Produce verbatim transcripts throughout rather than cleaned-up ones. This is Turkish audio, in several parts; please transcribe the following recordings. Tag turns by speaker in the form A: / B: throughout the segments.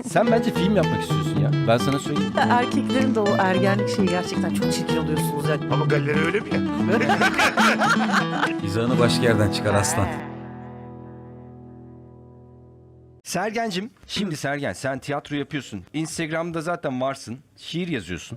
A: Sen bence film yapmak istiyorsun ya. Ben sana söyleyeyim.
B: Erkeklerin de o ergenlik şeyi gerçekten çok çirkin oluyorsunuz ya.
C: Ama galeri öyle mi ya?
D: Mizahını başka yerden çıkar aslan.
A: Sergencim, şimdi Sergen sen tiyatro yapıyorsun. Instagram'da zaten varsın. Şiir yazıyorsun.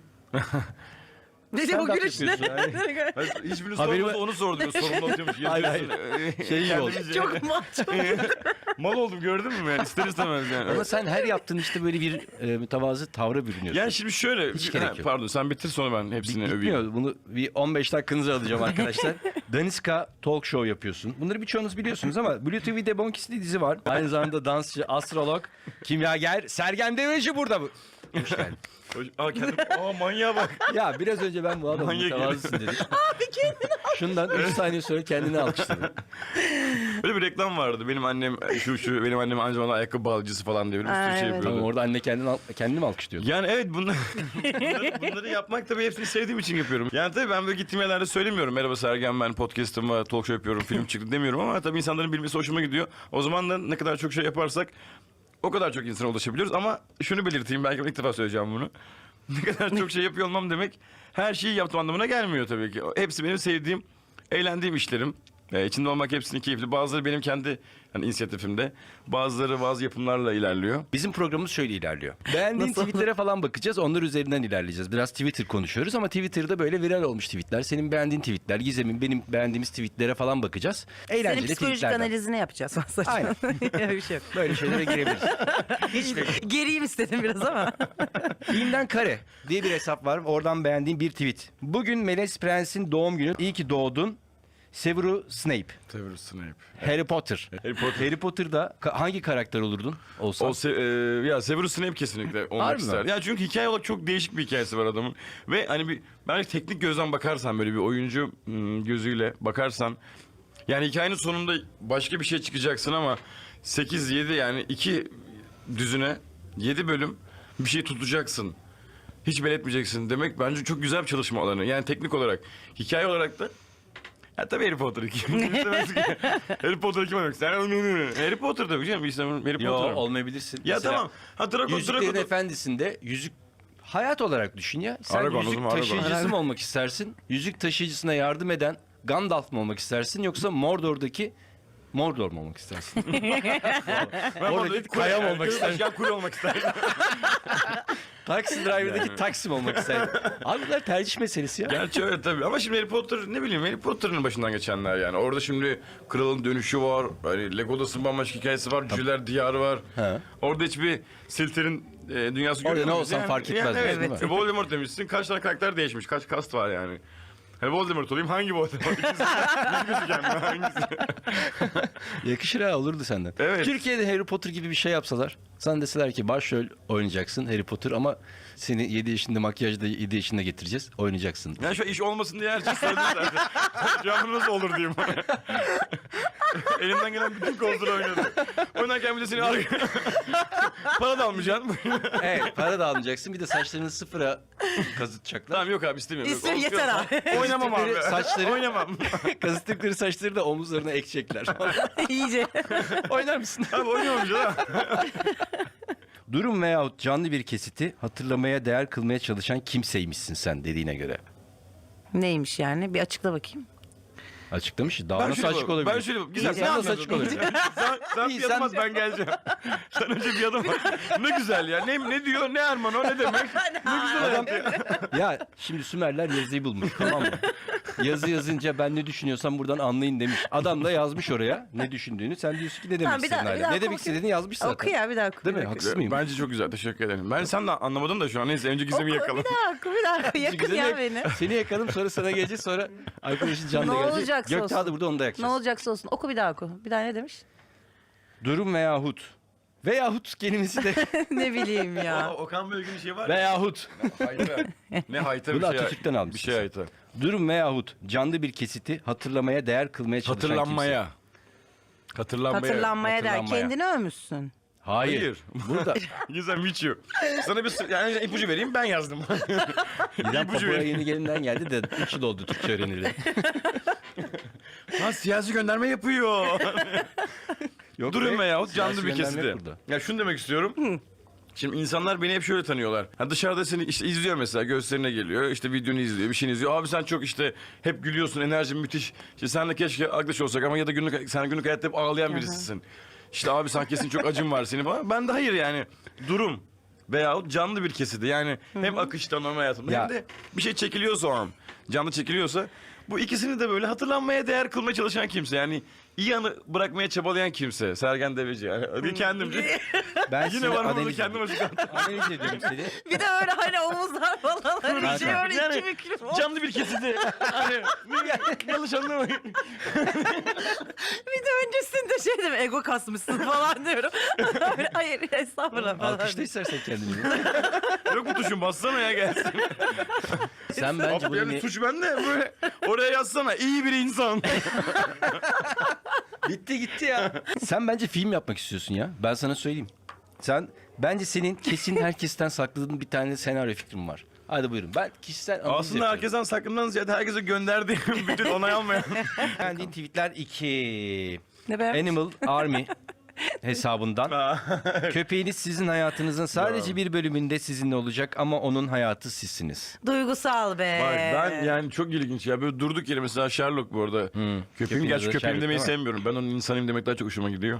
B: Ne de bu
A: Stand-up
B: gülüş ne?
A: yapıyorsun.
C: Hiçbiriniz
A: Haberim-
C: sormadı onu sordu. Sorumlu oturuyormuş.
A: Hayır, hayır. Şey gibi oldu.
C: Kendimiz
B: Çok maço.
C: Mal oldum gördün mü yani ister istemez yani.
A: Ama sen her yaptığın işte böyle bir e, mütevazı tavra bürünüyorsun.
C: Yani şimdi şöyle.
A: Hiç
C: Ha,
A: gerek yok.
C: Pardon sen bitir sonra ben hepsini
A: Bit-
C: öveyim.
A: Bitmiyor. Bunu bir on beş dakikanızı alacağım arkadaşlar. Daniska Talk Show yapıyorsun. Bunları birçoğunuz biliyorsunuz ama Blue T V'de Bonkis'li dizi var. Aynı zamanda dansçı, astrolog, kimyager Sergen Deveci burada. Bu. Hoş geldin.
C: Aa kendim. Aa manyağa bak.
A: Ya biraz önce ben bu adamın
C: Manyak
A: mütevazısın dedim. Abi kendini Şundan üç saniye sonra kendini alkışladı.
C: Böyle bir reklam vardı. Benim annem şu şu benim annem aynı zamanda ayakkabı bağlayıcısı falan diye böyle bir sürü
B: Aa,
C: şey
B: evet.
C: yapıyordu.
A: Tamam orada anne kendini, al- kendini mi alkışlıyordu?
C: Yani evet bunlar, bunları, bunları yapmak tabii hepsini sevdiğim için yapıyorum. Yani tabii ben böyle gittiğim yerlerde söylemiyorum. Merhaba Sergen ben podcast'ım var, talk show yapıyorum, film çıktı demiyorum ama tabii insanların bilmesi hoşuma gidiyor. O zaman da ne kadar çok şey yaparsak o kadar çok insana ulaşabiliyoruz. Ama şunu belirteyim belki ben ilk defa söyleyeceğim bunu. Ne kadar çok şey yapıyor olmam demek her şeyi yaptığım anlamına gelmiyor tabii ki. Hepsi benim sevdiğim, eğlendiğim işlerim. Ee, içinde olmak hepsinin keyifli. Bazıları benim kendi hani inisiyatifimde. Bazıları bazı yapımlarla ilerliyor.
A: Bizim programımız şöyle ilerliyor. Beğendiğin tweetlere falan bakacağız. Onlar üzerinden ilerleyeceğiz. Biraz Twitter konuşuyoruz ama Twitter'da böyle viral olmuş tweetler. Senin beğendiğin tweetler, Gizem'in benim beğendiğimiz tweetlere falan bakacağız. Eğlenceli
B: Senin psikolojik
A: tweetlerden.
B: analizini yapacağız.
A: Aynen.
B: Öyle bir şey yok.
A: Böyle şeylere girebiliriz.
B: Geriyim istedim biraz ama.
A: Filmden Kare diye bir hesap var. Oradan beğendiğim bir tweet. Bugün Meles Prens'in doğum günü. İyi ki doğdun. Severus Snape.
C: Severus Snape.
A: Harry Potter.
C: Harry Potter.
A: Harry Potter'da ka- hangi karakter olurdun olsan?
C: O se- e, ya Severus Snape kesinlikle olmak
A: Harbi mi?
C: ister. Ya çünkü hikaye olarak çok değişik bir hikayesi var adamın. Ve hani bir belki teknik gözden bakarsan böyle bir oyuncu hmm, gözüyle bakarsan yani hikayenin sonunda başka bir şey çıkacaksın ama sekiz yedi yani iki düzüne yedi bölüm bir şey tutacaksın. Hiç belirtmeyeceksin demek bence çok güzel bir çalışma alanı. Yani teknik olarak, hikaye olarak da ya tabii Harry Potter kim istemez ki? Harry Potter kim olmak ister? Harry Potter tabii canım. İstemem Harry
A: Yo
C: Potter.
A: olmayabilirsin.
C: Ya
A: Mesela
C: tamam. Ha Draco,
A: Yüzüklerin
C: Draco.
A: Efendisi'nde yüzük hayat olarak düşün ya. Sen
C: Aragorn, o
A: yüzük
C: zaman Aragorn.
A: taşıyıcısı mı olmak istersin? Yüzük taşıyıcısına yardım eden Gandalf mı olmak istersin yoksa Mordor'daki Mordor mu olmak istersin?
C: Ben
A: Oradaki
C: oradaki
A: kaya mı
C: kule-
A: olmak istersin?
C: Başkan kule olmak isterdim.
A: Taxi Driver'daki Taksim olmak isterdin. Abi bunlar tercih meselesi ya.
C: Gerçi öyle tabii. Ama şimdi Harry Potter ne bileyim Harry Potter'ın başından geçenler yani. Orada şimdi kralın dönüşü var. Hani Legolas'ın bambaşka hikayesi var. Cüceler diyarı var.
A: He.
C: Orada hiçbir Silter'in e, dünyası
A: Orada
C: görüyor
A: ne
C: muyuz?
A: olsan fark etmez
C: Yani,
A: diyorsun,
C: evet.
A: değil mi?
C: E, Voldemort demişsin. Kaç tane karakter değişmiş. Kaç kast var yani. Hani Voldemort olayım hangi Voldemort? İkisi, yüz gözüken mi? Hangisi?
A: Yakışır ha olurdu senden.
C: Evet.
A: Türkiye'de Harry Potter gibi bir şey yapsalar. Sana deseler ki başrol oynayacaksın Harry Potter ama seni yedi yaşında makyajda yedi yaşında getireceğiz. Oynayacaksın.
C: Yani şu iş olmasın diye her şey söyledim zaten. Şu an bu nasıl olur diyeyim. Elimden gelen bütün kozları oynadım. Oynarken bir de seni arka... Para da almayacaksın.
A: Evet para da almayacaksın. Bir de saçlarını sıfıra kazıtacaklar.
C: Tamam yok abi istemiyorum. Yok,
B: İstiyor, yeter abi.
C: Oynamam abi.
A: Saçları-
C: Oynamam.
A: Kazıttıkları saçları da omuzlarına ekecekler.
B: İyice.
A: Oynar mısın?
C: Abi oynamam canım.
A: Durum veyahut canlı bir kesiti hatırlamaya değer kılmaya çalışan kimseymişsin sen dediğine göre.
B: Neymiş yani? Bir açıkla bakayım.
A: Açıklamış. Daha
C: Ben
A: nasıl
C: şöyle
A: açık
C: bak-
A: olabilir?
C: Ben şöyle bak- Güzel.
A: İnsan
C: sen
A: nasıl
C: anladın.
A: açık olabilir?
C: sen sen
A: İyi,
C: bir adım
A: sen-
C: at ben geleceğim. Sen önce bir adım at. Ne güzel ya. Ne, ne diyor? Ne Erman o? Ne demek? Ne güzel
A: Adam,
C: adam.
A: ya şimdi Sümerler yazıyı bulmuş tamam mı? Yazı yazınca ben ne düşünüyorsam buradan anlayın demiş. Adam da yazmış oraya ne düşündüğünü. Sen diyorsun ki ne demek
B: Tamam, bir
A: istediğini
B: daha- bir
A: hala.
B: daha
A: Ne demek
B: oku.
A: istediğini yazmış zaten.
B: Oku ya bir daha oku.
A: Değil
B: bir
A: mi?
B: daha oku.
A: Haksız mıyım?
C: Bence çok güzel. Teşekkür ederim. Ben sen de anlamadın da şu an. Neyse önce Gizem'i
B: Oku,
C: yakalım.
B: bir daha oku bir daha oku. Yakın
A: Güzel
B: ya
A: yak-
B: beni.
A: Seni yakalım sonra sana geleceğiz sonra arkadaşın Can da
B: Ne
A: gelecek.
B: olacaksa
A: Göktuğ da
B: olsun.
A: burada onu da
B: Ne
A: yakacağız.
B: olacaksa olsun. Oku bir daha oku. Bir daha ne demiş?
A: Durum veyahut. Veyahut kelimesi de
B: Ne bileyim ya.
C: Okan Bölge'nin bir şey var.
A: veyahut.
C: Hayta. Ne hayta bir
A: Bunu
C: şey.
A: Atatürk'ten almışsın
C: Bir şey
A: sen.
C: hayta.
A: Durum veyahut canlı bir kesiti hatırlamaya değer kılmaya çalışan
C: Hatırlanmaya. Hatırlanmaya.
B: Hatırlanmaya der.
A: hatırlanmaya.
B: Kendini övmüşsün.
A: Hayır.
C: Hayır.
A: Burada
C: Güzel Miço. Sana bir sır- yani ipucu vereyim ben yazdım.
A: İrem
C: İpucu
A: Papua
C: vereyim.
A: yeni gelinden geldi de üç yıl oldu Türkçe öğrenildi.
C: Ha siyasi gönderme yapıyor.
A: Yok
C: Durum
A: be,
C: veyahut canlı
A: siyasi
C: bir
A: gönderme
C: kesiti.
A: yok burada.
C: Ya şunu demek istiyorum. Şimdi insanlar beni hep şöyle tanıyorlar. Ha dışarıda seni işte izliyor mesela, gösterine geliyor. İşte videonu izliyor, bir şeyini izliyor. Abi sen çok işte hep gülüyorsun, enerjin müthiş. İşte senle keşke arkadaş olsak ama ya da günlük sen günlük hayatta hep ağlayan birisisin. İşte abi sen kesin çok acın var senin falan. Ben de hayır yani. Durum veyahut canlı bir kesidi. Yani hem akışta normal hayatımda
A: Ya.
C: hem de bir şey çekiliyorsa o an. Canlı çekiliyorsa. Bu ikisini de böyle hatırlanmaya değer kılmaya çalışan kimse. Yani iyi anı bırakmaya çabalayan kimse. Sergen Deveci yani. Hadi kendimce.
A: Ben
C: Yine
A: seni
C: var burada
A: analiz
C: kendim
A: ediyorum.
C: açıklattım.
A: Analiz ediyorum seni.
B: Bir de öyle hani omuzlar falan hani bir şey öyle
C: Yani
B: iki mikrofon.
C: canlı bir kesidi. Hani yanlış anlamayın.
B: Bir de öncesinde şey dedim ego kasmışsın falan diyorum. Öyle, hayır estağfurullah falan.
A: Alkışla istersen kendini.
C: Yok bu tuşun bassana ya gelsin.
A: Sen bence
C: Abi
A: bunu
C: yani
A: ne-
C: tuş bende böyle oraya yazsana iyi bir insan.
A: Bitti gitti ya. Sen bence film yapmak istiyorsun ya. Ben sana söyleyeyim. Sen bence senin kesin herkesten sakladığın bir tane senaryo fikrin var. Hadi buyurun. Ben kişisel analiz
C: Aslında
A: yapıyorum.
C: herkesten sakından ziyade herkese gönderdiğim bütün onay almayan.
A: Beğendiğin tweetler iki.
B: Ne be?
A: Animal Army hesabından. Köpeğiniz sizin hayatınızın sadece bir bölümünde sizinle olacak ama onun hayatı sizsiniz.
B: Duygusal be.
C: Bak ben yani çok ilginç ya böyle durduk yere mesela Sherlock bu arada. Köpeğim
A: Köpeğiniz
C: gerçi
A: de
C: köpeğim
A: Sherlock
C: demeyi
A: değil mi?
C: sevmiyorum. Ben onun insanıyım demek daha çok hoşuma gidiyor.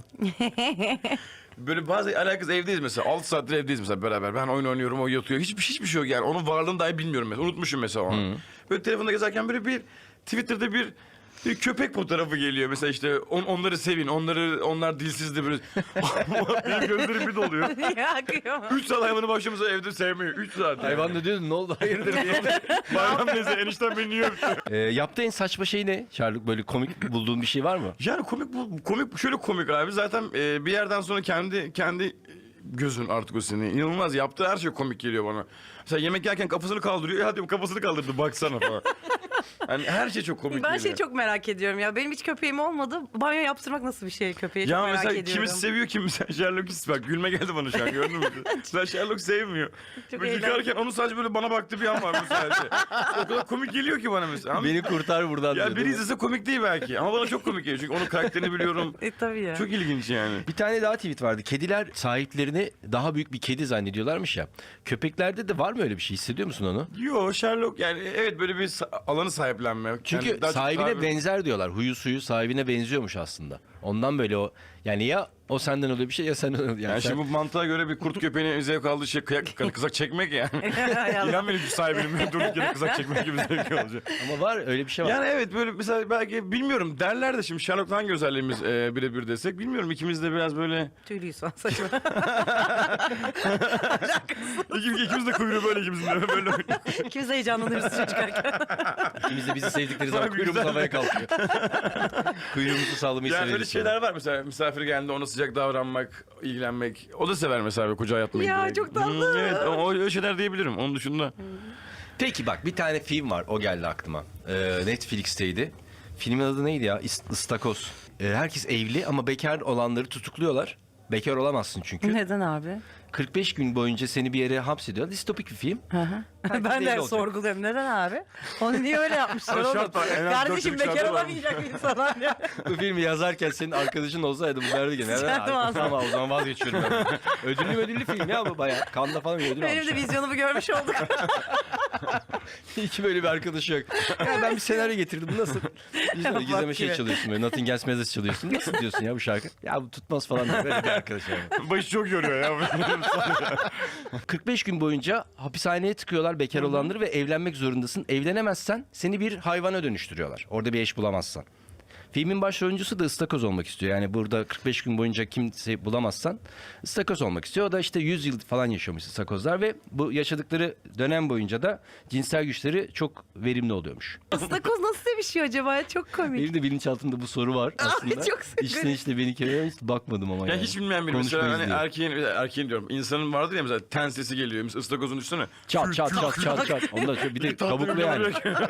C: Böyle bazı alakası evdeyiz mesela. altı saattir evdeyiz mesela beraber. Ben oyun oynuyorum, o yatıyor. Hiçbir hiçbir şey yok yani. Onun varlığını dahi bilmiyorum mesela. Unutmuşum mesela o an. Böyle telefonda gezerken böyle bir Twitter'da bir bir köpek fotoğrafı geliyor mesela işte on, onları sevin, onları onlar dilsizdi böyle. Benim gözlerim bir doluyor.
B: Ya kıyamam.
C: Üç saat hayvanı başımıza evde sevmiyor. Üç saat. Yani.
A: Hayvan da diyordun ne oldu hayırdır diye.
C: Bayram neyse enişten beni niye öptü?
A: ee, yaptığı en saçma şey ne? Sherlock böyle komik bulduğun bir şey var mı?
C: Yani komik bu komik şöyle komik abi zaten e, bir yerden sonra kendi kendi gözün artık o senin. İnanılmaz yaptığı her şey komik geliyor bana. Mesela yemek yerken kafasını kaldırıyor. Ya hadi kafasını kaldırdı baksana falan. Yani her şey çok komik
B: Ben
C: geliyor.
B: şeyi çok merak ediyorum ya. Benim hiç köpeğim olmadı. Banyo yaptırmak nasıl bir şey köpeğe?
C: Ya
B: çok merak
C: mesela
B: ediyorum.
C: kimisi seviyor kimisi Sherlock'u bak gülme geldi bana şu an gördün mü? Mesela Sherlock sevmiyor.
B: Çok
C: Böyle yıkarken onun sadece böyle bana baktı bir an var mesela. O kadar komik geliyor ki bana mesela. Ama
A: Beni kurtar buradan diyor,
C: ya biri
A: değil mi?
C: izlese komik değil belki ama bana çok komik geliyor. Çünkü onun karakterini biliyorum.
B: E tabii ya.
C: Çok ilginç yani.
A: Bir tane daha tweet vardı. Kediler sahiplerini daha büyük bir kedi zannediyorlarmış ya. Köpeklerde de var mı öyle bir şey? Hissediyor musun onu?
C: Yo Sherlock yani evet böyle bir sa- alanı sahiplenme.
A: Çünkü
C: Yani daha çok
A: sahibine
C: sahibi-
A: benzer diyorlar. Huyu suyu sahibine benziyormuş aslında. Ondan böyle o yani ya o senden oluyor bir şey ya senden oluyor. Yani
C: Yani
A: sen-
C: şimdi bu mantığa göre bir kurt köpeğine zevk aldığı şey kıyak, kızak çekmek yani.
B: Hay Allah.
C: İnan beni sahibinin bir durduk yere kızak çekmek gibi zevk olacak.
A: Ama var öyle bir şey var.
C: Yani evet böyle mesela belki bilmiyorum derler de şimdi Sherlock'ta hangi özelliğimiz e, birebir desek bilmiyorum ikimiz de biraz böyle
B: Tüylüyüz falan saçma.
C: ikimiz, ikimiz de kuyruğu böyle ikimizin de böyle.
B: İkimiz de heyecanlanırız su çıkarken.
A: İkimiz de bizi sevdikleri zaman
C: Bak,
A: kuyruğumuz
C: güzel.
A: havaya kalkıyor. Kuyruğumuzu sallamayı
C: Yani
A: severiz.
C: öyle şeyler var mesela misafir geldiğinde ona sıcak davranmak, ilgilenmek. O da sever mesela böyle kucağa yatmayı.
B: Ya,
C: direkt.
B: çok tatlı.
C: Hmm, evet o öyle şeyler diyebilirim onun dışında.
A: Peki bak bir tane film var o geldi aklıma. Ee, Netflix'teydi. Filmin adı neydi ya? İst- Istakoz. Ee, herkes evli ama bekar olanları tutukluyorlar. Bekar olamazsın çünkü.
B: Neden abi?
A: kırk beş gün boyunca seni bir yere hapsediyor. Distopik bir film. Herkes
B: Ben
A: evli
B: de
A: olacak.
B: sorguluyorum. Neden abi? Onu niye öyle yapmışlar
C: Ama
B: oğlum?
C: şart var, en az
B: Kardeşim
C: dört yıllık
B: bekar
C: şartı var.
B: olamayacak bir insan abi.
A: Bu filmi yazarken senin arkadaşın olsaydı bu derdi ki neden?
B: Sıçardım ağzına.
A: Ama o zaman vazgeçiyorum ben. Ödüllü ödüllü film ya bu bayağı. Kanda falan bir ödül
B: Benim
A: almış.
B: de vizyonumu görmüş olduk.
A: İki böyle bir arkadaşı yok. Ya ben bir senaryo getirdim bu nasıl? Biz böyle gizleme
B: Bak
A: şey
B: gibi.
A: çalıyorsun böyle. Nothing Else Matters çalıyorsun. Nasıl diyorsun ya bu şarkı? Ya bu tutmaz falan diye böyle bir arkadaş yani.
C: Başı çok yoruyor ya.
A: kırk beş gün boyunca hapishaneye tıkıyorlar bekar olanları ve evlenmek zorundasın. Evlenemezsen seni bir hayvana dönüştürüyorlar. Orada bir eş bulamazsan. Filmin başrolüncüsü de ıstakoz olmak istiyor. Yani burada kırk beş gün boyunca kimse bulamazsan ıstakoz olmak istiyor. O da işte yüz yıl falan yaşıyormuş ıstakozlar ve bu yaşadıkları dönem boyunca da cinsel güçleri çok verimli oluyormuş.
B: Istakoz nasıl sevişiyor acaba? Çok komik.
A: Benim de bilinçaltımda bu soru var aslında.
B: çok severim.
A: İçten işte beni kere hiç bakmadım ama
C: Ya
A: yani.
C: hiç bilmeyen biri mesela
A: Konuşmayız
C: hani
A: diye.
C: erkeğin, erkeğin diyorum insanın vardır ya mesela ten sesi geliyor. Mesela ıstakozun üstüne.
A: Çat çat çat çat çat. Ondan sonra bir de kabuklu yani.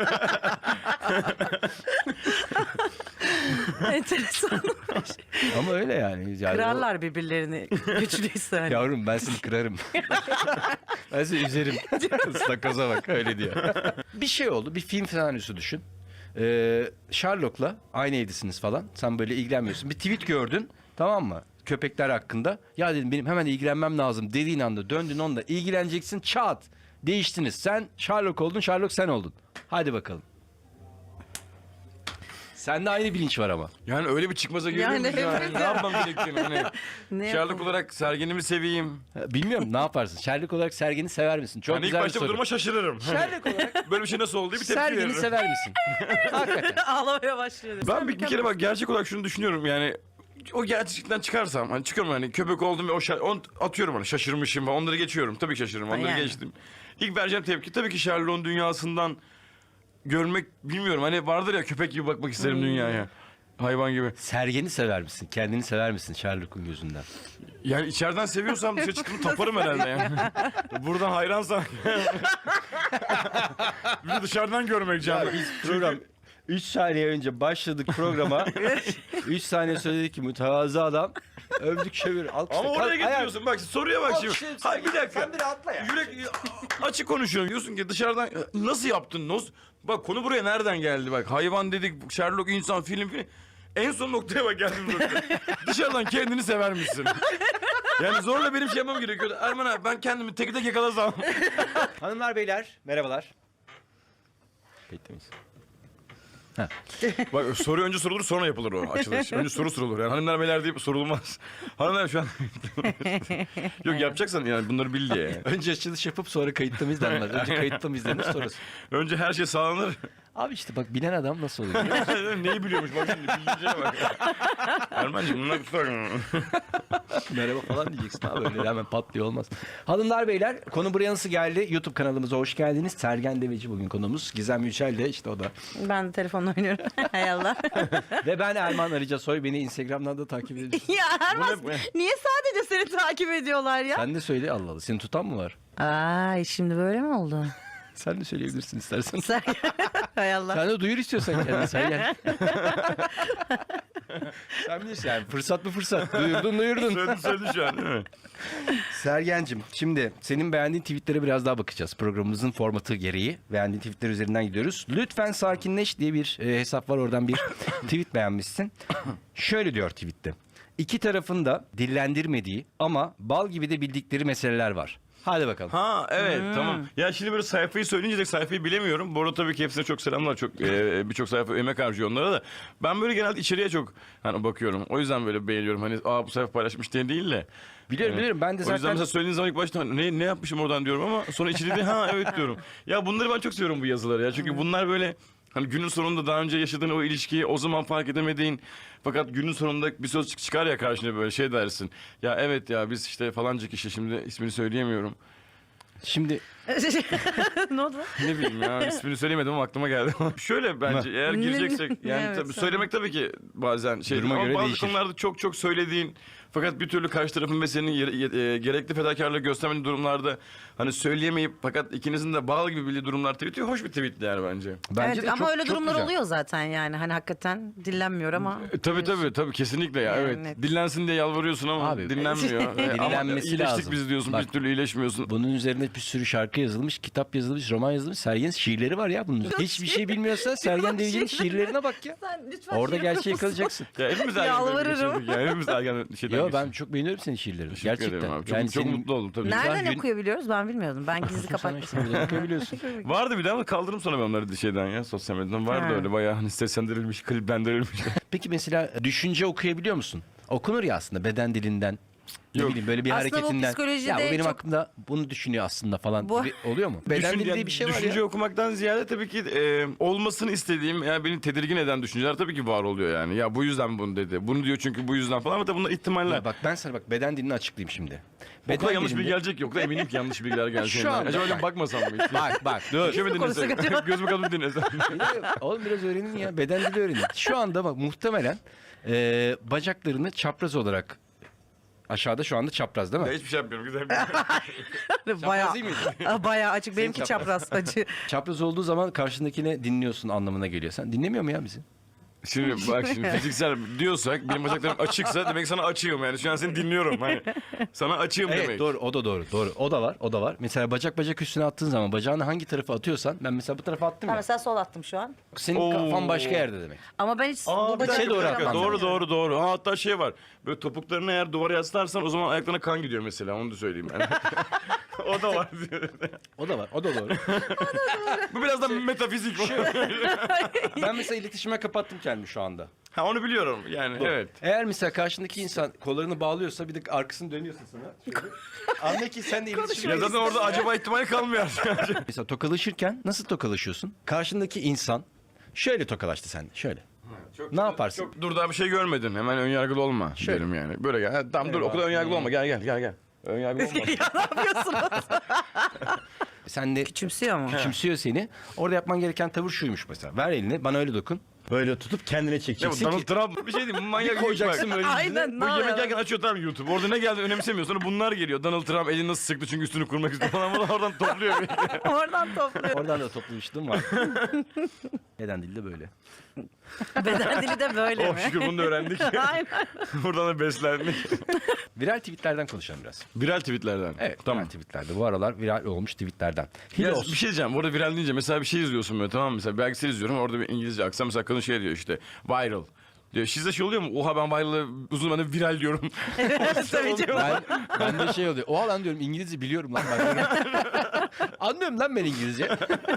B: Enteresan.
A: Ama öyle yani. yani o-
B: Kırarlar birbirlerini güçlüyse. hani.
A: Yavrum ben seni kırarım. Ben seni üzerim. Istakoza bak öyle diyor. Bir şey oldu. Bir film senaryosu düşün. Ee, Sherlock'la aynı evdesiniz falan. Sen böyle ilgilenmiyorsun. Bir tweet gördün. Tamam mı? köpekler hakkında. Ya dedim benim hemen ilgilenmem lazım dediğin anda döndün onunla ilgileneceksin, çat. Değiştiniz. Sen Sherlock oldun, Sherlock sen oldun. Hadi bakalım. Sende aynı bilinç var ama.
C: Yani öyle bir çıkmaza geliyor
B: Yani
C: muyuz yani?
B: evet
C: Ne
B: ya.
C: yapmam gerektiğini hani.
B: Ne
C: Sherlock
B: yapalım?
C: olarak Sergen'imi seveyim.
A: Bilmiyorum ne yaparsın? Sherlock olarak Sergen'i sever misin? Çok
C: Yani ilk
A: güzel bir
C: başta bu
A: soru.
C: duruma şaşırırım.
A: Sherlock olarak
C: Böyle bir şey nasıl oldu diye bir tepki
A: Sergen'i
C: veririm.
A: sever misin? Hakikaten.
B: Ağlamaya başlıyor.
C: Ben bir, bir kere bak gerçek olarak şunu düşünüyorum yani o gerçekten çıkarsam hani çıkıyorum hani köpek oldum ve o şa- on, atıyorum hani şaşırmışım onları geçiyorum tabii ki şaşırırım onları
B: Yani.
C: geçtim. İlk vereceğim tepki tabii ki Sherlock'un dünyasından görmek bilmiyorum hani vardır ya köpek gibi bakmak isterim dünyaya. Hayvan gibi.
A: Sergen'i sever misin? Kendini sever misin Sherlock'un gözünden?
C: Yani içeriden seviyorsam dışarı çıktığımı taparım herhalde yani. Buradan hayransam. Bir de dışarıdan görmek canım.
A: Program üç saniye önce başladık programa. üç saniye söyledik ki mütevazı adam. Övdük çevir. Alkışla.
C: Ama oraya
A: Kalk, ayağa-
C: getiriyorsun bak soruya bak şimdi.
A: Alkışla,
C: Hayır bir dakika.
A: Sen bir atla ya.
C: Yürek açık konuşuyorum diyorsun ki dışarıdan nasıl yaptın? Nasıl? Bak konu buraya nereden geldi bak. Hayvan dedik, Sherlock insan film film. En son noktaya bak geldim nokta. Dışarıdan kendini sever misin? Yani zorla benim şey yapmam gerekiyordu. Erman abi ben kendimi tek tek yakalasam.
A: Hanımlar beyler merhabalar. Kayıtta mıyız?
C: Bak soru önce sorulur sonra yapılır o açılış. Önce soru sorulur. Yani hanımlar beyler deyip sorulmaz. Hanımlar şu an... Yok yapacaksan yani bunları bil diye. Yani.
A: Önce açılış yapıp sonra kayıtta mıyız denmez. Önce kayıtta mıyız denir sonrası.
C: Önce her şey sağlanır.
A: Abi işte bak bilen adam nasıl oluyor? biliyor musun?
C: Neyi biliyormuş bak şimdi bildiğine bak. Erman'cığım bunlar tutar.
A: Merhaba falan diyeceksin abi öyle hemen patlıyor olmaz. Hanımlar beyler konu buraya nasıl geldi? YouTube kanalımıza hoş geldiniz. Sergen Deveci bugün konuğumuz. Gizem Yücel de işte o da.
B: Ben de telefonla oynuyorum. Hay Allah.
A: Ve ben Erman Arıca Soy. Beni Instagram'dan da takip edebilirsiniz.
B: Ya Erman
C: Bu ne-
B: niye sadece seni takip ediyorlar ya?
A: Sen de söyle Allah Allah. Seni tutan mı var?
B: Ay şimdi böyle mi oldu?
A: Sen de söyleyebilirsin istersen.
B: Sen... Hay Allah.
A: Sen de duyur istiyorsan kendini Sergen. Sen bilirsin yani fırsat mı fırsat. Duyurdun duyurdun.
C: Söyledin söyledin şu an değil mi?
A: Sergen'cim şimdi senin beğendiğin tweetlere biraz daha bakacağız. Programımızın formatı gereği. Beğendiğin tweetler üzerinden gidiyoruz. Lütfen sakinleş diye bir e, hesap var. Oradan bir tweet beğenmişsin. Şöyle diyor tweette. İki tarafın da dillendirmediği ama bal gibi de bildikleri meseleler var. Hadi bakalım.
C: Ha evet tamam. Ya şimdi böyle sayfayı söyleyince de sayfayı bilemiyorum. Bu arada tabii ki hepsine çok selamlar. Çok e, birçok sayfa emek harcıyor onlara da. Ben böyle genelde içeriye çok hani bakıyorum. O yüzden böyle beğeniyorum. Hani aa bu sayfa paylaşmış diye değil de.
A: Biliyorum
C: Evet.
A: biliyorum ben de
C: O yüzden
A: zaten...
C: mesela söylediğin zaman ilk başta ne, ne yapmışım oradan diyorum ama sonra içeriye de ha evet diyorum. Ya bunları ben çok seviyorum bu yazıları ya. Çünkü bunlar böyle hani günün sonunda daha önce yaşadığın o ilişkiyi o zaman fark edemediğin fakat günün sonunda bir söz çık- çıkar ya karşına böyle şey dersin. Ya evet ya biz işte falanca kişi şimdi ismini söyleyemiyorum.
A: Şimdi
B: Ne oldu?
C: Ne bileyim ya ismini söyleyemedim ama aklıma geldi. Şöyle bence eğer
B: Ne-
C: gireceksek yani
B: Evet,
C: tabii
B: sen-
C: söylemek tabii ki bazen şey
A: Duruma
C: ama
A: göre
C: bazı
A: değişir.
C: konularda çok çok söylediğin fakat bir türlü karşı tarafın ve senin yere- ye- e, gerekli fedakarlığı göstermediğin durumlarda hani söyleyemeyip fakat ikinizin de bal gibi bildiği durumlar tweet'i hoş bir tweet yani bence.
A: bence
B: Evet,
A: de
B: ama
A: çok,
B: öyle
A: çok
B: durumlar
A: güzel.
B: oluyor zaten yani. Hani hakikaten dillenmiyor ama.
C: E, tabii tabii tabii kesinlikle ya
B: Yani
C: evet.
B: net.
C: Dillensin diye yalvarıyorsun ama
A: Abi,
C: dinlenmiyor. E, ama
A: dinlenmesi
C: iyileştik
A: lazım.
C: biz diyorsun
A: Bak.
C: bir türlü iyileşmiyorsun.
A: Bunun üzerine bir sürü şarkı yazılmış, kitap yazılmış, roman yazılmış. Sergen'in şiirleri var ya bunun üzerine. Hiçbir şey bilmiyorsa Sergen Deveci'nin şiirlerine bak ya.
B: Sen lütfen
A: Orada
B: şiir
A: gerçeği
B: okusun.
A: yakalayacaksın.
C: Ya hepimiz ergen
B: Yalvarırım.
C: geçirdik ya. Hepimiz ergen şeyden
A: Yo
C: geçtik.
A: ben çok beğeniyorum senin şiirlerini.
C: Teşekkür
A: Gerçekten.
C: ederim abi. Çok,
A: Yani
C: çok
A: senin-
C: mutlu oldum tabii.
B: Nereden
A: Güzel gün-
B: okuyabiliyoruz ben bilmiyordum. Ben gizli
A: Sana
B: kapatmışım.
A: işte buradan okuyabiliyorsun.
C: Vardı bir de ama kaldırdım sonra ben onları şeyden ya sosyal medyadan. Vardı
B: Ha.
C: öyle bayağı hani seslendirilmiş, kliplendirilmiş.
A: Peki mesela düşünce okuyabiliyor musun? Okunur ya aslında beden dilinden. Ne
C: Yok.
A: bileyim böyle bir
B: Aslında bu
A: hareketinden.
B: psikolojide
A: Ya bu benim
B: çok-
A: hakkımda bunu düşünüyor aslında falan.
B: Bu-
A: gibi oluyor mu? Beden
C: Düşün-
A: dili
C: yani
A: diye bir şey var
C: düşünce
A: ya.
C: okumaktan ziyade tabii ki e, olmasını istediğim yani beni tedirgin eden düşünceler tabii ki var oluyor yani. Ya bu yüzden bunu dedi. Bunu diyor çünkü bu yüzden falan ama tabii bunlar ihtimaller.
A: Ya bak ben sana bak beden dilini açıklayayım şimdi.
C: Okula yanlış
A: dilinde-
C: bilgi gelecek yok da eminim ki yanlış bilgiler gelecek.
A: Şu anda
C: Acaba öyle
A: bak.
C: bakmasam mı hiç?
A: Bak bak dur.
C: Şöyle mi
B: konuşsak
C: dinlesek?
B: acaba?
C: Göz bakalım dinlesek.
A: Oğlum biraz öğrenin ya. Beden dili öğrenin. Şu anda bak muhtemelen e, bacaklarını çapraz olarak aşağıda şu anda çapraz değil mi?
C: Ya hiçbir şey yapmıyorum. Güzel bir
B: Bayağı,
A: değil miydi?
B: Aa, bayağı açık. Benimki
A: çapraz.
B: çapraz acı.
A: Çapraz olduğu zaman karşındakine dinliyorsun anlamına geliyor. Sen dinlemiyor mu ya bizi?
C: Şimdi bak şimdi fiziksel diyorsak benim bacaklarım açıksa demek sana açığım yani. Şu an seni dinliyorum. Hani sana açığım
A: Evet
C: demek.
A: doğru, o da doğru, doğru. O da var, o da var. Mesela bacak bacak üstüne attığın zaman bacağını hangi tarafa atıyorsan, ben mesela bu tarafa attım
B: Ben
A: ya.
B: mesela sol attım şu an.
A: Senin
C: Oo.
A: kafan başka yerde demek.
B: Ama ben hiç
C: Aa,
B: bu
C: bir
B: bacak
C: dakika,
A: doğru
C: bir dakika.
A: atman
C: doğru
A: lazım.
C: doğru doğru. Ha, hatta şey var. Böyle topuklarını eğer duvara yaslarsan o zaman ayaklarına kan gidiyor mesela. Onu da söyleyeyim yani. O da var diyor.
A: O da var, o da doğru.
C: Bu biraz da metafizik.
A: Ben mesela iletişime kapattım kendimi şu anda.
C: Ha onu biliyorum yani evet.
A: Eğer mesela karşındaki insan kollarını bağlıyorsa bir de arkasını dönüyorsa sana. şöyle, Anla ki sen de iletişime...
C: Ya zaten orada acaba ihtimali kalmıyor.
A: Mesela tokalaşırken nasıl tokalaşıyorsun? Karşındaki insan şöyle tokalaştı sen, şöyle.
C: Çok-
A: Ne yaparsın?
C: Çok, dur daha bir şey görmedin. Hemen ön yargılı olma
A: Şöyle.
C: derim yani. Böyle gel. Ha, tamam dur o kadar ön yargılı olma. Gel gel gel gel. Ön yargılı olma.
B: ya ne yapıyorsunuz?
A: Sen de
B: Küçümsüyor mu?
A: küçümsüyor seni. Orada yapman gereken tavır şuymuş mesela. Ver elini, bana öyle dokun. Böyle tutup kendine
C: Ya bu
A: çekeceksin
C: Donald
A: ki...
C: Trump bir şey değil mi? Manyak
A: koyacaksın
C: bak.
A: böyle yüzüne.
B: Aynen.
C: Bu
B: ne
C: yemek
B: yapıyor?
C: yerken açıyor tamam YouTube. Orada ne geldi önemsemiyor. Sonra bunlar geliyor. Donald Trump elini nasıl sıktı çünkü üstünü kurmak istiyor falan. Bunu oradan topluyor.
B: Oradan topluyor.
A: Oradan da toplamıştım var. Neden dilde böyle?
B: Beden dili de böyle
C: Oh
B: mi?
C: şükür bunu da öğrendik.
B: Aynen.
C: Buradan da beslendik.
A: Viral tweetlerden konuşalım biraz.
C: Viral tweetlerden.
A: Evet,
C: Tamam.
A: viral tweetlerde. Bu aralar viral olmuş tweetlerden.
C: Ya
A: Hilos.
C: bir şey diyeceğim. Orada viral deyince mesela bir şey izliyorsun böyle tamam mı? Mesela belgesel izliyorum. Orada bir İngilizce aksan mesela kadın şey diyor işte viral. Diyor. Sizde şey oluyor mu? Oha ben viral'ı uzun ben de viral diyorum.
B: Tabii canım.
A: Ben, ben de şey oluyor. Oha lan diyorum İngilizce biliyorum lan ben. Anlıyorum lan ben İngilizce.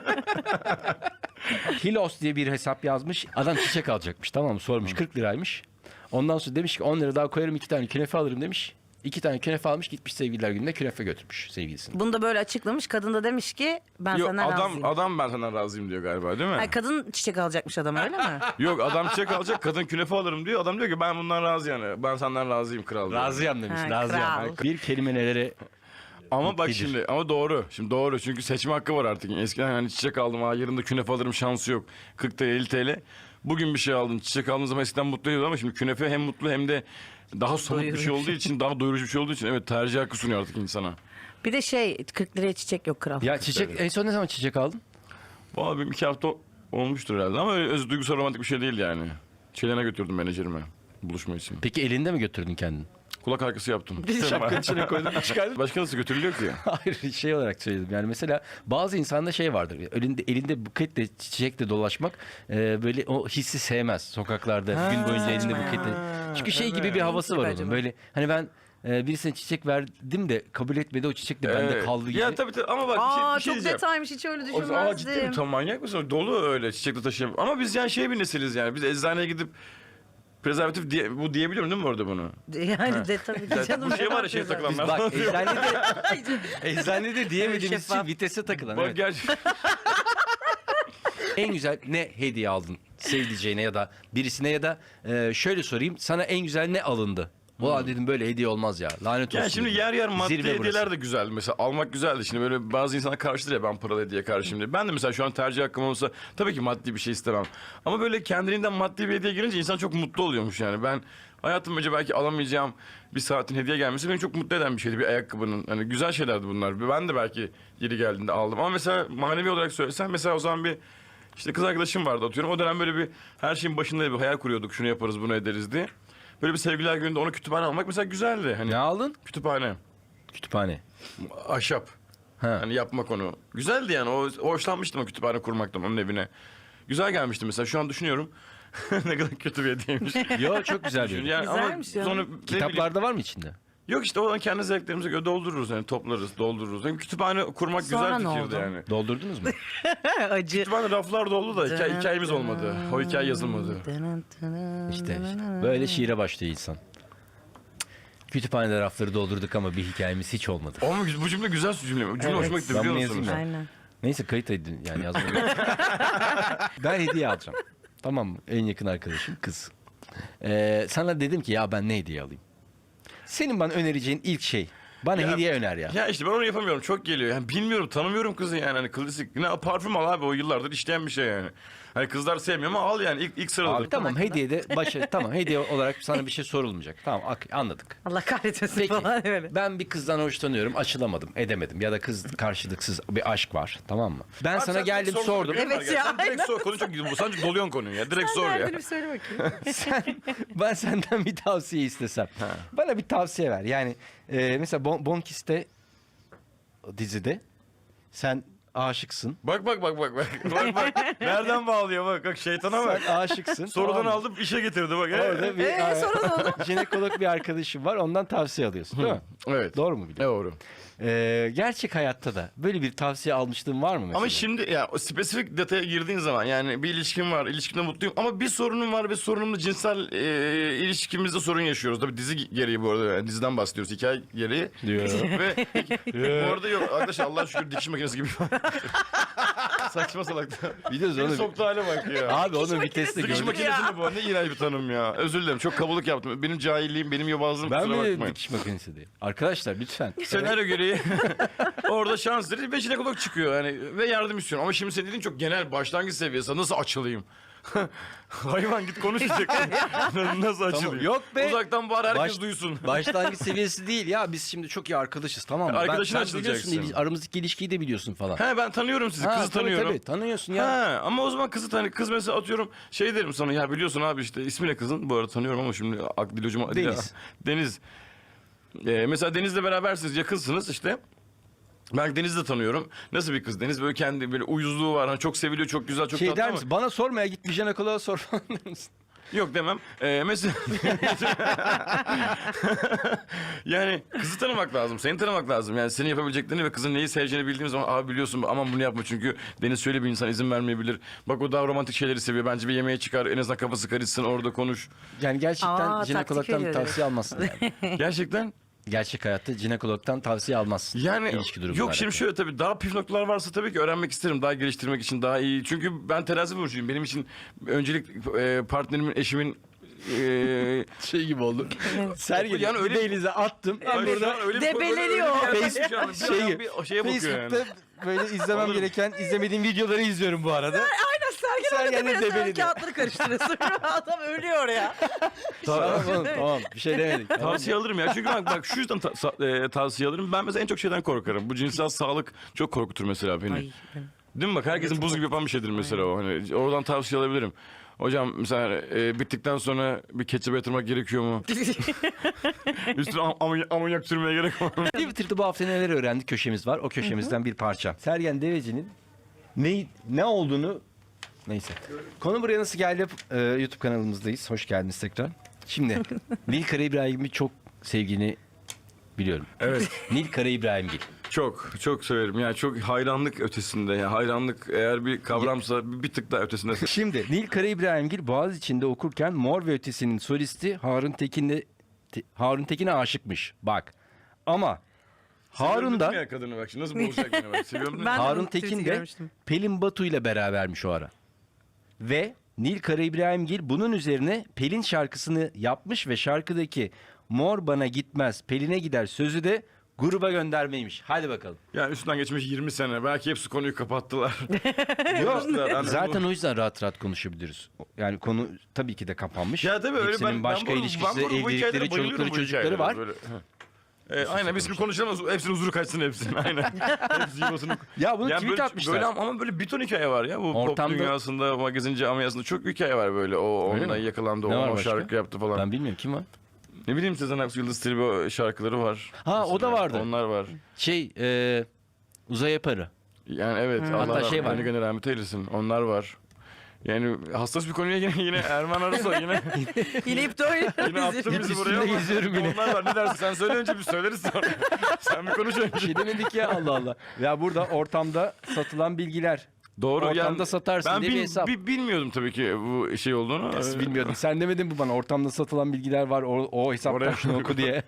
A: Hilos diye bir hesap yazmış. Adam çiçek alacakmış tamam mı? Sormuş kırk liraymış. Ondan sonra demiş ki on lira daha koyarım iki tane künefe alırım demiş. İki tane künefe almış gitmiş sevgililer gününe künefe götürmüş sevgilisine.
B: Bunu da böyle açıklamış. Kadın da demiş ki ben
C: Yok
B: senden
C: adam
B: razıyım.
C: adam ben senden razıyım diyor galiba değil mi?
B: Ay, kadın çiçek alacakmış adam öyle mi?
C: Yok adam çiçek alacak kadın künefe alırım diyor. Adam diyor ki ben bundan razı yani. Ben senden razıyım kral. diyor.
A: Razıyam demiş.
B: Ha,
A: razıyam.
B: kral.
A: Bir kelime nelere...
C: Ama bak
A: Mutludur.
C: şimdi ama doğru. Şimdi doğru çünkü seçme hakkı var artık. Eskiden hani çiçek aldım ha yarın da künefe alırım şansı yok. kırk T L elli T L. Bugün bir şey aldın çiçek aldığın zaman eskiden mutlu ediyordu ama şimdi künefe hem mutlu hem de daha somut bir şey olduğu için daha doyurucu bir şey olduğu için evet tercih hakkı sunuyor artık insana.
B: Bir de şey kırk liraya çiçek yok kral.
A: Ya çiçek en son ne zaman çiçek aldın?
C: Valla benim iki hafta olmuştur herhalde ama öyle öz duygusal romantik bir şey değil yani. Çelene götürdüm menajerime buluşma için.
A: Peki elinde mi götürdün kendini?
C: Kulak arkası yaptım.
A: Şapkanın içine koydun çıkardın.
C: Başka nasıl götürülüyor ki?
A: Hayır şey olarak söyledim yani mesela bazı insanda şey vardır elinde elinde buketle çiçekle dolaşmak e, böyle o hissi sevmez sokaklarda
B: Ha,
A: gün boyunca elinde
B: saçma ya.
A: buketle çünkü şey gibi
C: evet.
A: bir havası var
B: Acaba.
A: onun böyle hani ben e, birisine çiçek verdim de kabul etmedi o çiçek de bende
C: Evet.
A: kaldı gibi.
C: Ya tabii tabii ama bak bir şey,
B: Aa
C: bir şey
B: çok
C: diyeceğim.
B: detaymış hiç öyle
C: O zaman aa, ciddi mi?
B: düşünmezdim.
C: Tam manyak mısın? Dolu öyle çiçekle taşıyan. Ama biz yani şey bir nesiliz yani. Biz eczaneye gidip prezervatif diye, bu diyebiliyorum değil mi orada bunu?
B: Yani de tabii ki canım.
C: Bu şey var ya şey
B: Güzel.
C: takılanlar.
A: Bak eczanede eczanede diyemediğimiz için
B: Şeffaf.
A: vitese takılan.
C: Bak
A: Evet.
C: gerçekten.
A: En güzel ne hediye aldın sevdiceğine ya da birisine ya da e, şöyle sorayım sana en güzel ne alındı? Ulan dedim böyle hediye olmaz ya. Lanet olsun.
C: Yani şimdi
A: dedim.
C: yer yer maddi
A: Zirve burası.
C: hediyeler de güzel. Mesela almak güzeldi. Şimdi böyle bazı insanlar karşıdır ya ben paralı hediye karşıyım diye. Ben de mesela şu an tercih hakkım olsa tabii ki maddi bir şey istemem. Ama böyle kendiliğinden maddi bir hediye gelince insan çok mutlu oluyormuş yani. Ben hayatım boyunca belki alamayacağım bir saatin hediye gelmesi beni çok mutlu eden bir şeydi. Bir ayakkabının. Hani güzel şeylerdi bunlar. Ben de belki yeri geldiğinde aldım. Ama mesela manevi olarak söylesem mesela o zaman bir işte kız arkadaşım vardı atıyorum. O dönem böyle bir her şeyin başında bir hayal kuruyorduk. Şunu yaparız bunu ederiz diye. Böyle bir sevgililer gününde onu kütüphane almak mesela güzeldi. Hani
A: Ne aldın?
C: kütüphane.
A: Kütüphane.
C: Ahşap.
A: Ha.
C: Hani yapmak onu. Güzeldi yani. O, o hoşlanmıştım o kütüphane kurmaktan onun evine. Güzel gelmişti mesela. Şu an düşünüyorum. Ne kadar kötü bir hediyeymiş.
A: Yo çok güzel bir.
C: Yani
B: Güzelmiş
C: ama
B: ya.
C: sonra ne bileyim-
A: Kitaplarda var mı içinde?
C: Yok işte o kendi zevklerimize göre doldururuz yani toplarız, doldururuz. Yani kütüphane kurmak
B: Sonra
C: güzel
B: ne
C: fikirdi
B: oldu?
C: yani.
A: Doldurdunuz mu?
B: Acı.
C: Kütüphane raflar doldu da hikaye, hikayemiz olmadı. O hikaye yazılmadı.
A: İşte, işte böyle şiire başlıyor insan. Kütüphanede rafları doldurduk ama bir hikayemiz hiç olmadı.
C: Ama bu cümle güzel cümle. Bu cümle
B: Evet.
C: hoşuma gitti
A: Ben
C: biliyor
A: bunu
C: musunuz?
A: yazayım
B: Aynen.
A: Neyse kayıt edin yani yazmayın. Ben hediye alacağım. Tamam mı? En yakın arkadaşım kız. Ee, sana dedim ki ya ben ne hediye alayım? Senin bana önereceğin ilk şey. Bana
C: Ya-
A: hediye öner ya.
C: Ya işte ben onu yapamıyorum. Çok geliyor. Yani bilmiyorum, tanımıyorum kızı yani. Hani klasik. Ne parfüm al abi o yıllardır işleyen bir şey yani. Hani kızlar sevmiyor ama al yani ilk, ilk sıradadır.
A: Abi tamam hediyede başa tamam hediye olarak sana bir şey sorulmayacak. Tamam ak- anladık.
B: Allah kahretmesin
A: Peki
B: falan öyle.
A: ben bir kızdan hoşlanıyorum açılamadım edemedim ya da kız karşılıksız bir aşk var tamam mı? Ben
C: Abi
A: sana
C: sen
A: geldim
C: direkt sor-
A: sordum.
B: Evet
C: Var
B: ya,
C: Sen direkt
B: aynen.
C: sor. Konu çok güzel. Sen çok doluyorsun konuyu ya. Direkt sor ya.
B: Derdini söyle bakayım.
A: Sen, ben senden bir tavsiye istesem. Bana bir tavsiye ver. Yani e, mesela Bon, Bonkis'te dizide sen aşıksın.
C: Bak bak bak bak bak. Bak bak. Nereden bağlıyor bak. Bak şeytana bak.
A: Sen aşıksın.
C: Sorudan
A: tamam mı?
C: aldım işe getirdi bak.
A: Orada bir
B: Ee, sonra ne oldu?
A: jinekolog bir arkadaşım var. Ondan tavsiye alıyorsun değil mi?
C: Evet.
A: Doğru mu biliyorum?
C: Doğru.
A: Ee, gerçek hayatta da böyle bir tavsiye almışlığın var mı mesela?
C: Ama şimdi ya o spesifik detaya girdiğin zaman yani bir ilişkim var, ilişkimde mutluyum ama bir sorunum var ve sorunumla cinsel e, ilişkimizde sorun yaşıyoruz. Tabii dizi gereği bu arada yani diziden bahsediyoruz hikaye gereği.
A: Diyor.
C: Ve bu arada yok arkadaşlar Allah şükür dikiş makinesi gibi. Saçma salak.
A: Biliyoruz
C: Beni
A: onu.
C: soktu hale bak ya.
A: Abi onun vitesini
C: Dikiş
A: gördük.
C: makinesi mi bu? Ne iğrenç bir tanım ya. Özür dilerim çok kabulük yaptım. Benim cahilliğim, benim yobazlığım
A: Ben
C: kusura
A: mi
C: bakmayın.
A: dikiş makinesi diyeyim? Arkadaşlar lütfen.
C: Senaryo gereği orada şans dedi ve jinekolog çıkıyor yani ve yardım istiyorum. Ama şimdi senin dediğin çok genel başlangıç seviyesi. Nasıl açılayım? Hayvan git konuşacak. Nasıl açılayım?
A: Yok be.
C: Uzaktan bari herkes
A: Baş-
C: duysun.
A: Başlangıç seviyesi değil ya. Biz şimdi çok iyi arkadaşız tamam mı?
C: Arkadaşına
A: ben, sen biliyorsun,
C: açılacaksın.
A: ili- aramızdaki ilişkiyi de biliyorsun falan.
C: He ben tanıyorum sizi.
A: Ha,
C: Kızı
A: tabii,
C: tanıyorum.
A: Tabii, tanıyorsun ya.
C: Ha, ama o zaman kızı tanı. Kız mesela atıyorum şey derim sana ya biliyorsun abi işte ismi ne kızın? Bu arada tanıyorum ama şimdi ak dil ucuma.
A: Deniz.
C: Deniz. Ee, mesela Deniz'le berabersiniz yakınsınız işte. Ben Deniz'i de tanıyorum. Nasıl bir kız? Deniz böyle kendi böyle uyuzluğu var. Hani çok seviliyor, çok güzel, çok
A: Şey
C: tatlı
A: der
C: ama...
A: misin? Bana sormaya git bir jinekoloğa sor falan der misin?
C: Yok demem. Ee, mesela... yani kızı tanımak lazım. Seni tanımak lazım. Yani senin yapabileceklerini ve kızın neyi seveceğini bildiğim zaman abi biliyorsun aman bunu yapma çünkü Deniz şöyle bir insan izin vermeyebilir. Bak o daha romantik şeyleri seviyor. Bence bir yemeğe çıkar. En azından kafası karışsın orada konuş.
A: Yani gerçekten
B: Aa, taktik
A: jinekologdan bir
B: veriyor.
A: tavsiye almazsın yani.
C: Gerçekten.
A: Gerçek hayatta jinekologdan tavsiye almazsın.
C: Yani
A: İlişki durumunda.
C: yok şimdi şöyle tabii daha püf noktalar varsa tabii ki öğrenmek isterim. Daha geliştirmek için daha iyi. Çünkü ben terazi burcuyum. Benim için öncelik e, partnerimin, eşimin e,
A: şey gibi oldu. Sergen
C: Yani öyle-
A: denize attım. Ben
C: Öyle-
A: burada
C: öyle bir-
B: Debeleniyor.
C: böyle- böyle-
A: Face-
C: şu an bir
A: şey-
C: an bir şeye bakıyor yani.
A: Facebook'ta böyle izlemem
C: Alırım.
A: gereken izlemediğim videoları izliyorum bu arada.
B: Aynen Sergen
A: Sergen de
B: orada böyle
A: debeleniyor.
B: kağıtları karıştırıyorsun. Adam ölüyor ya.
A: Tamam oğlum, tamam bir şey demedik. Tamam.
C: Tavsiye alırım ya. Çünkü bak, bak şu yüzden ta- sa- e, tavsiye alırım. Ben mesela en çok şeyden korkarım. Bu cinsel sağlık çok korkutur mesela beni.
B: Ay,
C: Değil mi bak herkesin buz gibi yapan bir şeydir mesela o. Hani oradan tavsiye alabilirim. Hocam mesela e, bittikten sonra bir ketçap yatırmak gerekiyor mu? Üstüne am- amonyak, amonyak sürmeye gerek var mı?
A: Twitter'da bu hafta neler öğrendik köşemiz var. O köşemizden bir parça. Sergen Deveci'nin ne ne olduğunu neyse. Konu buraya nasıl geldi? Ee, YouTube kanalımızdayız. Hoş geldiniz tekrar. Şimdi Nil Kara İbrahim'i çok sevgini biliyorum.
C: Evet.
A: Nil Kara İbrahimgil.
C: Çok çok severim. Yani çok hayranlık ötesinde. Yani hayranlık eğer bir kavramsa bir, bir tık daha ötesinde.
A: Şimdi Nil Kara İbrahimgil Boğaziçi'nde okurken Mor ve Ötesi'nin solisti Harun Tekin'le Te- Harun Tekin'e aşıkmış. Bak. Ama Harun da
C: Ya kadını bak şimdi nasıl bozacak yine bak. Seviyorum.
B: Ben-
A: Harun
B: onu
A: Tekin
B: tweet'i
A: de
B: görmüştüm.
A: Pelin Batu ile berabermiş o ara. Ve Nil Kara İbrahimgil bunun üzerine Pelin şarkısını yapmış ve şarkıdaki Mor bana gitmez Pelin'e gider sözü de gruba göndermeymiş. Hadi bakalım.
C: Yani üstünden geçmiş yirmi sene. Belki hepsi konuyu kapattılar.
A: Yok.
C: Yani bu-
A: Zaten o yüzden rahat rahat konuşabiliriz. Yani konu tabii ki de kapanmış.
C: Ya tabii öyle
A: Hepsinin
C: ben
A: başka
C: ben bu-
A: ilişkisi,
C: ben bu- bu hikayelere
A: evlilikleri,
C: bayılıyorum
A: çocukları,
C: bu
A: çocukları
C: hikayelere
A: var.
C: böyle. Ee, aynen biz bir konuşalım hepsinin huzuru kaçsın hepsinin aynen. Hepsi yuvasını...
A: Ya bunu tweet
C: böyle,
A: atmışlar.
C: Böyle, ama böyle bir ton hikaye var ya bu
A: Ortamda-
C: pop dünyasında, magazinci ameliyasında çok hikaye var böyle. O
A: Öyle
C: onunla
A: mi?
C: yakalandı,
A: Ne
C: o,
A: var
C: o
A: başka?
C: şarkı yaptı falan.
A: Ben bilmiyorum kim var?
C: Ne bileyim Sezen Aksu, Yıldız Tilbe şarkıları var.
A: Ha, o da vardı.
C: Onlar var.
A: Şey e, Uzay Yaparı.
C: Yani evet
A: Hatta
C: Allah
A: şey var.
C: rahmet eylesin, rahmet eylesin. Onlar var. Yani hassas bir konuya yine yine Erman Arısoy yine
B: Yine ipte oynuyoruz.
C: yine attın bizi
A: Üstünde
C: buraya ama
A: geziyorum yine.
C: onlar var. Ne dersin? Sen söyle önce bir söyleriz sonra. Sen bir konuş
A: Bir
C: önce.
A: şey demedik ya Allah Allah. Ya burada ortamda satılan bilgiler.
C: Doğru.
A: Ortamda satarsın
C: ben
A: diye bir
C: bil-
A: hesap.
C: bi- bilmiyordum tabii ki bu şey olduğunu.
A: Nasıl bilmiyordum. Sen demedin mi bana ortamda satılan bilgiler var o, o hesaptan
C: Oraya-
A: şunu oku diye.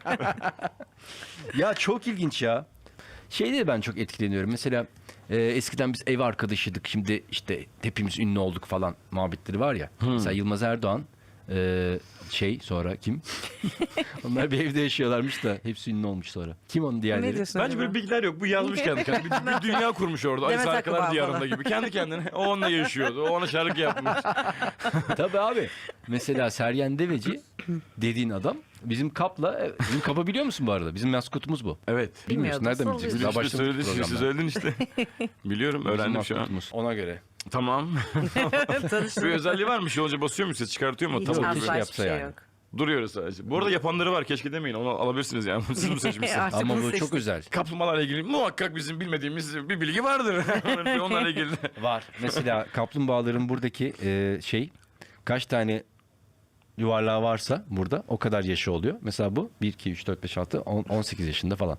A: Ya çok ilginç ya. Şeyde de ben çok etkileniyorum. Mesela e, eskiden biz ev arkadaşıydık. Şimdi işte hepimiz ünlü olduk falan muhabbetleri var ya. Mesela Yılmaz Erdoğan Ee, şey sonra kim? Onlar bir evde yaşıyorlarmış da hepsi ünlü olmuş sonra. Kim onun
B: Ne
A: diğerleri?
B: diyorsun
C: Bence
B: acaba?
C: böyle bilgiler yok. Bu yazmış kendi kendine. Bir, bir dünya kurmuş orada. Ali
B: Demet
C: Sarkılar
B: Akbağ
C: diyarında
B: falan.
C: gibi. Kendi kendine. O onunla yaşıyordu. O ona şarkı yapmış.
A: Tabii abi. Mesela Sergen Deveci dediğin adam bizim kapla, bizim kapı biliyor musun bu arada? Bizim maskotumuz bu.
C: Evet.
A: Bilmiyorsun, nereden
B: Bilmiyordum,
A: bileceksin?
B: sallıyorsun.
A: Daha
C: İşte
A: başladık
C: söyledin, siz
A: programda.
C: söyledin işte. Biliyorum,
A: Bizim
C: öğrendim şu an.
A: maskotumuz. Ona göre.
C: Tamam. bir
B: Tanıştım.
C: özelliği var mı? Şey olunca basıyor mu? Ses çıkartıyor mu?
B: Hiç
C: Tamam.
A: keşke
B: asla hiçbir
A: yapsa
B: şey
A: yani.
B: yok.
C: Duruyoruz sadece. Bu arada yapanları var. Keşke demeyin. Onu alabilirsiniz yani. Siz mi seçmişsiniz?
B: Artık
A: Ama
B: bunu
A: bu
B: seçtim.
A: çok özel.
C: Kaplumbağalarla ilgili muhakkak bizim bilmediğimiz bir bilgi vardır. Onlarla ilgili.
A: Var. Mesela kaplumbağaların buradaki e, şey kaç tane yuvarlağı varsa burada o kadar yaşı oluyor. Mesela bu bir, iki, üç, dört, beş, altı, on, on sekiz yaşında falan.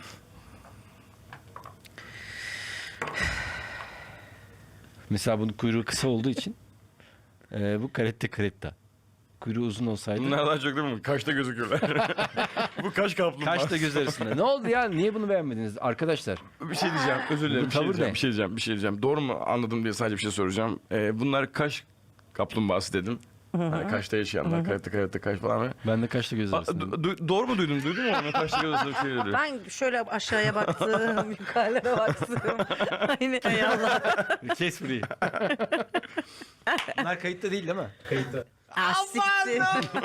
A: Mesela bunun kuyruğu kısa olduğu için e, bu karette karetta. Kuyruğu uzun olsaydı
C: Bunlar daha çok değil mi? Kaşta gözüküyorlar. Bu kaş kaplumbağa.
A: kaç da göz arasında. Ne oldu ya? Niye bunu beğenmediniz arkadaşlar?
C: Bir şey diyeceğim. Özür dilerim.
A: Bu
C: Bir şey
A: tavır
C: diyeceğim.
A: ne?
C: Bir şey diyeceğim. Bir şey diyeceğim. Doğru mu anladım diye sadece bir şey soracağım. Ee, bunlar kaş kaplumbağası dedim. Yani kaşta yaşayanlar. Karate karate kaş falan.
A: Ben de kaçta göz
C: Aa,
A: arasında.
C: du- du- doğru mu duydum? Duydun mu? Onu kaşta göz arasında bir şey dedi.
B: Ben şöyle aşağıya baktım, yukarılara baktım. Aynı hay Allah.
A: Kes burayı. Bunlar kayıtta değil değil mi? Kayıtta.
B: Ah, siktir.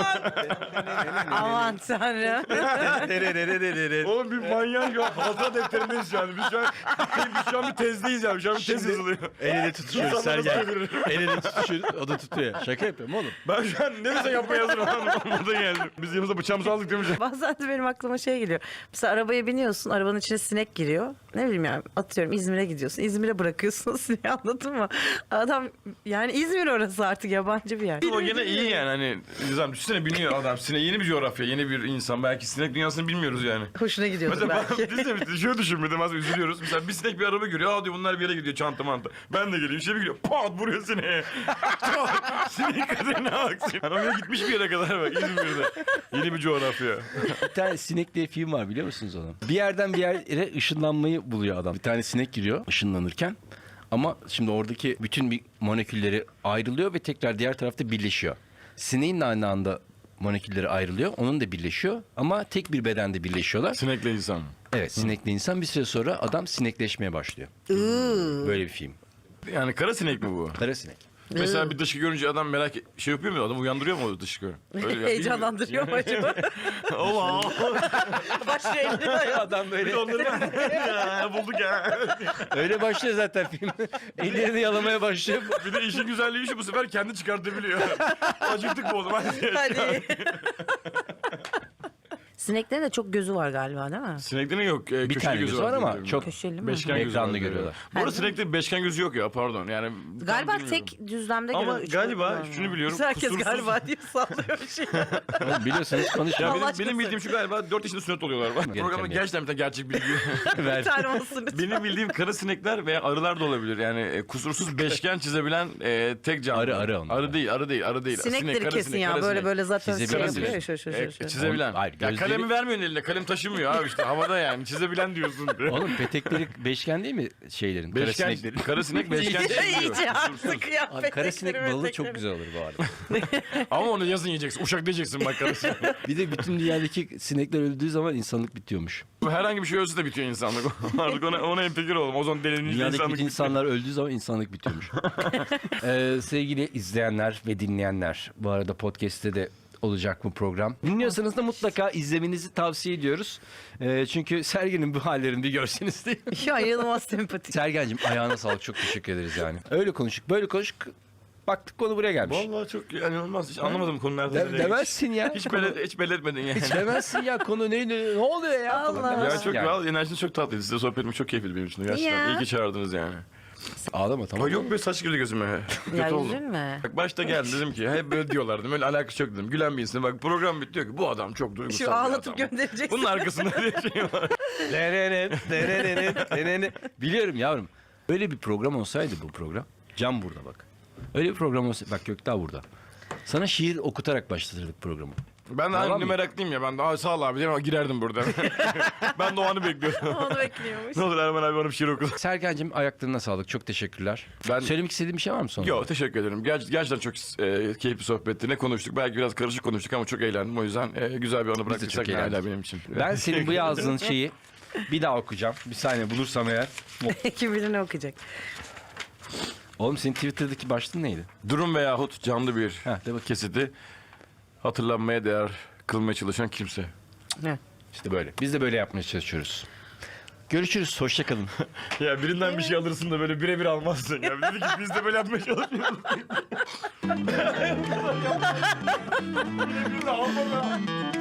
B: Aman tanrım.
C: Oğlum bir manyak ya. Hatıra defterindeyiz şu an. Biz şu an, biz şu an bir tezdeyiz yani. Şu an bir tez yazılıyor.
A: El ele tutuşuyoruz Sergen. El ele tutuşuyoruz. O da tutuyor. Şaka yapıyorum oğlum.
C: Ben şu an ne desen yapmaya hazırım. Burada geldim. Biz yanımıza bıçağımızı aldık demiş.
B: Bazen de benim aklıma şey geliyor. Mesela arabaya biniyorsun, arabanın içine sinek giriyor. Ne bileyim yani, atıyorum İzmir'e gidiyorsun. İzmir'e bırakıyorsun sineği, anladın mı? Adam yani İzmir orası artık, yabancı bir yer.
C: O gene iyi yani hani Nizam düşünsene biniyor adam sinek yeni bir coğrafya yeni bir insan belki sinek dünyasını bilmiyoruz yani.
B: Hoşuna gidiyordur
C: Mesela ben,
B: belki.
C: biz de biz de şöyle düşünmedim az üzülüyoruz. Mesela bir sinek bir araba görüyor. Aa diyor bunlar bir yere gidiyor çanta manta. Ben de geleyim işte bir gidiyor. Pat vuruyor sineğe. Pat! Sinek kaderine aksın. Yani oraya gitmiş bir yere kadar bak İzmir'de. Yeni bir coğrafya.
A: Bir tane sinek diye film var biliyor musunuz onu? Bir yerden bir yere ışınlanmayı buluyor adam. Bir tane sinek giriyor ışınlanırken. Ama şimdi oradaki bütün bir molekülleri ayrılıyor ve tekrar diğer tarafta birleşiyor. Sineğin de aynı anda molekülleri ayrılıyor. Onun da birleşiyor. Ama tek bir bedende birleşiyorlar.
C: Sinekle insan.
A: Evet, sinekli insan bir süre sonra adam sinekleşmeye başlıyor. Böyle bir film.
C: Yani kara sinek mi bu?
A: Kara sinek.
C: Mesela bir dışkı görünce adam merak et- şey yapıyor mu? Adam uyandırıyor mu o dışkı? Öyle ya,
B: Heyecanlandırıyor mu acaba?
C: Allah!
B: Başı elini
A: Adam böyle
C: Onları ya, bulduk ya.
A: öyle başlıyor zaten film. Ellerini yalamaya başlıyor.
C: Bir de işin güzelliği şu bu sefer kendi çıkartabiliyor. Acıktık mı o zaman?
B: Hadi. Sineklerin de çok gözü var galiba değil mi?
C: Sineklerin yok. E,
A: Bir
C: köşeli
A: tane
C: gözü
A: gözü var ama
C: diye
A: çok
B: Köşeli mi?
C: beşgen gözü
A: ekranlı
C: var.
A: görüyorlar.
C: Bu arada sineklerin beşgen gözü yok ya pardon. Yani tam
B: Galiba
C: bilmiyorum.
B: tek düzlemde
C: Ama
B: görüyoruz. Üç
C: galiba
B: boyutlu.
C: şunu biliyorum.
B: Biz herkes
C: kusursuz-
B: galiba diye sallıyor bir şey.
A: Oğlum biliyorsanız
C: Ya
A: konuşun.
B: Allah
C: benim,
B: aşkına
C: benim bildiğim şu galiba dört yaşında sünnet oluyorlar. Bak, programda
A: bir-
C: gerçekten bir tane gerçek bilgi.
B: Bir tane olsun lütfen.
C: Benim bildiğim kara sinekler veya arılar da olabilir. Yani e, kusursuz beşgen çizebilen e, tek canlı.
A: Arı, arı onlar.
C: Arı değil, arı değil, arı değil.
B: Sinekleri
C: Sinek, kara
B: kesin
C: sinek,
B: ya,
C: kara
B: böyle
C: sinek.
B: böyle zaten şey
A: Çizebilen
B: yapıyor ya,
A: diyor.
B: şu şu
C: E,
B: şu. şu.
C: çizebilen.
A: Hayır,
C: Ya
A: gözleri-
C: kalemi vermiyorsun eline. Kalem taşımıyor abi işte havada yani. Çizebilen diyorsun.
A: Oğlum petekleri beşgen değil mi şeylerin? Kara
C: Beşgen,
A: sineklerin.
C: kara sinek beşgen çiziyor.
B: İyice artık
A: Abi
B: kıyafetleri.
A: kara sinek balı çok güzel olur bu arada.
C: Ama onu yazın yiyeceksin. Uşak diyeceksin bak kara sinek.
A: Bir de bütün dünyadaki sinekler öldüğü zaman insanlık bitiyormuş.
C: Herhangi bir şey ölse de bitiyor insanlık. Artık ona, ona hemfikir olalım. O zaman delinince
A: Dünyadaki
C: insanlık
A: bütün
C: bitiyor.
A: insanlar öldüğü zaman insanlık bitiyormuş. ee, sevgili izleyenler ve dinleyenler, bu arada podcast'te de olacak bu program. Dinliyorsanız da mutlaka izlemenizi tavsiye ediyoruz. Ee, çünkü Sergen'in bu hallerini bir görseniz değil mi?
B: Ya inanılmaz sempatik.
A: Sergen'cim ayağına sağlık, çok teşekkür ederiz yani. Öyle konuştuk, böyle konuştuk. Baktık konu buraya gelmiş.
C: Vallahi çok yani olmaz. Hiç anlamadım konu nerede.
A: De-
C: nereye
A: demezsin ya.
C: Hiç,
A: Konu-
C: belli, hiç belli etmedin yani.
A: Hiç demezsin ya, konu neydi, ne oluyor ya?
B: Allah.
A: falan
C: Ya
A: demezsin
C: çok
A: yani.
C: vallahi enerjiniz çok tatlıydı. Size sohbet etmek çok keyifliydi benim için. Gerçekten.
B: Ya.
C: İyi ki çağırdınız yani.
A: Ağlama tamam.
C: Ay yok be saç girdi gözüme.
B: Ya
C: Kötü oldu.
B: üzülme.
C: Bak başta geldi dedim ki hep böyle diyorlar dedim. Öyle alakası yok dedim. Gülen bir insan. Bak program bitiyor ki bu adam çok duygusal
B: Şu
C: bir
B: ağlatıp
C: adam.
B: göndereceksin.
C: Bunun arkasında bir şey var.
A: Derenen, derenen, derenen. Biliyorum yavrum. Öyle bir program olsaydı bu program. Cam burada bak. Öyle bir program olsaydı. Bak Gökdağ burada. Sana şiir okutarak başlatırdık programı.
C: Ben de
A: Yalan
C: aynı
A: mı?
C: meraklıyım ya. Ben de "Aa, sağ ol abi" diye girerdim burada. Ben de o anı bekliyordum.
B: Onu bekliyormuş.
C: Ne olur Erman abi bana bir şiir oku.
A: Sergen'cim ayaklarına sağlık. Çok teşekkürler.
C: Ben-
A: Söylemek istediğim bir şey var mı sonra?
C: Yok, teşekkür ederim. Ger gerçekten çok e, keyifli sohbetti. Ne konuştuk? Belki biraz karışık konuştuk ama çok eğlendim. O yüzden e, güzel bir anı bıraktıysak
A: çok
C: hala
A: eğlendik.
C: benim için.
A: Ben senin bu yazdığın şeyi bir daha okuyacağım. Bir saniye bulursam eğer.
B: Kim bilir ne okuyacak.
A: Oğlum senin Twitter'daki başlığın neydi?
C: Durum veyahut canlı bir
A: Heh, de bakayım.
C: kesiti hatırlanmaya değer kılmaya çalışan kimse.
B: Ne?
A: İşte böyle. Biz de böyle yapmaya çalışıyoruz. Görüşürüz. Hoşça kalın.
C: Ya birinden bir şey alırsın da böyle birebir almazsın. Ya dedi ki biz de böyle yapmaya çalışıyoruz. Birebir de alma be.